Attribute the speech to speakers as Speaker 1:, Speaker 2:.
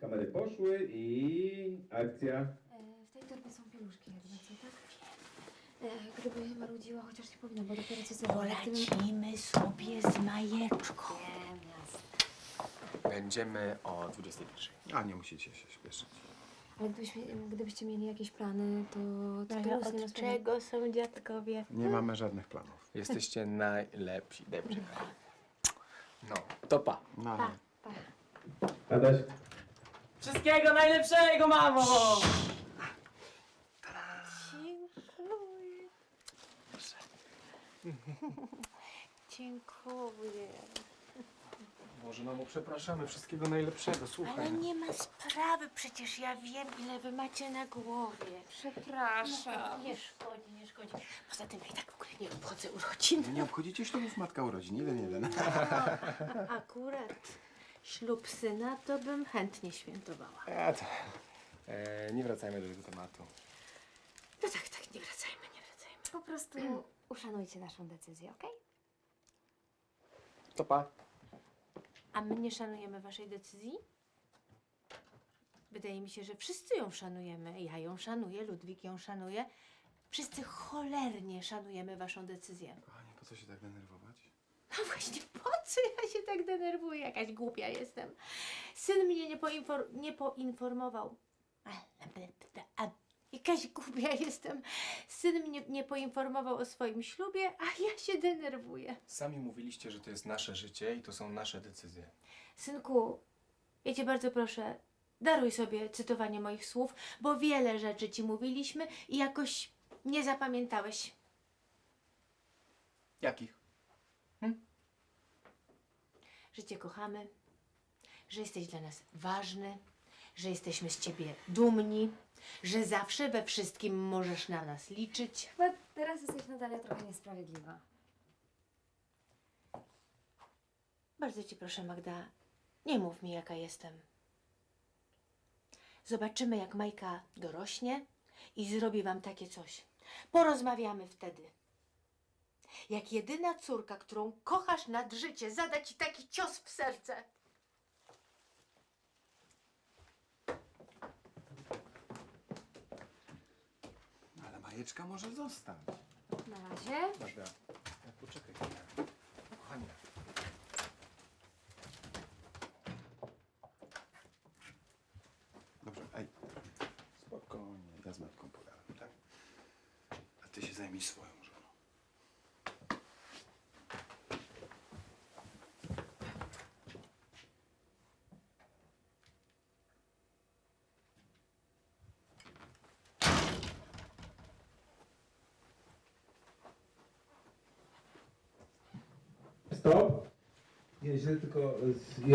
Speaker 1: Kamery poszły i akcja.
Speaker 2: W tej torbie są pieluszki jakby, co tak? Gdyby marudziła, chociaż nie powinna, bo dopiero co zrobiła.
Speaker 3: Polecimy sobie z Majeczką.
Speaker 2: Wiem, jasne.
Speaker 4: Będziemy o 21.
Speaker 1: A nie musicie się śpieszyć.
Speaker 2: Ale gdybyście mieli jakieś plany, to
Speaker 3: Ale od czego są dziadkowie?
Speaker 1: Nie mamy żadnych planów.
Speaker 4: Jesteście najlepsi. Dobrze. No, to pa.
Speaker 1: No.
Speaker 2: Pa.
Speaker 1: Adaś.
Speaker 5: Wszystkiego najlepszego, mamo!
Speaker 3: Dziękuję. Dziękuję.
Speaker 4: Boże, mamo, przepraszamy. Wszystkiego najlepszego. Słuchaj.
Speaker 3: Ale nie ma sprawy, przecież ja wiem, ile wy macie na głowie.
Speaker 2: Przepraszam.
Speaker 3: Nie szkodzi, nie szkodzi. Poza tym ja i tak w ogóle nie obchodzę urodzin.
Speaker 1: Nie obchodzicie ślubów matka urodzin. Jeden.
Speaker 3: Akurat ślub syna to bym chętnie świętowała.
Speaker 4: Nie wracajmy do tego tematu.
Speaker 3: No tak, nie wracajmy.
Speaker 2: Po prostu uszanujcie naszą decyzję, okej?
Speaker 4: To pa.
Speaker 3: A my nie szanujemy waszej decyzji? Wydaje mi się, że wszyscy ją szanujemy. Ja ją szanuję, Ludwik ją szanuje. Wszyscy cholernie szanujemy waszą decyzję.
Speaker 1: Kochanie, po co się tak denerwować?
Speaker 3: No właśnie, po co ja się tak denerwuję? Jakaś głupia jestem. Syn mnie nie poinformował. Jakaś głupia jestem. Syn mnie nie poinformował o swoim ślubie, a ja się denerwuję.
Speaker 4: Sami mówiliście, że to jest nasze życie i to są nasze decyzje.
Speaker 3: Synku, ja cię bardzo proszę, daruj sobie cytowanie moich słów, bo wiele rzeczy ci mówiliśmy i jakoś nie zapamiętałeś.
Speaker 4: Jakich?
Speaker 3: Że cię kochamy, że jesteś dla nas ważny, że jesteśmy z ciebie dumni, że zawsze we wszystkim możesz na nas liczyć.
Speaker 2: Chyba teraz jesteś nadal trochę niesprawiedliwa.
Speaker 3: Bardzo cię proszę, Magda, nie mów mi, jaka jestem. Zobaczymy, jak Majka dorośnie i zrobi wam takie coś. Porozmawiamy wtedy. Jak jedyna córka, którą kochasz nad życie, zada ci taki cios w serce.
Speaker 1: Ale Majeczka może zostać.
Speaker 2: Na razie.
Speaker 4: Magda, poczekaj chwilę. Kochanie.
Speaker 1: Dobrze, ej. Spokojnie, ja z matką pogadam, tak? A ty się zajmij swoją żoną. Stop! Nie, źle tylko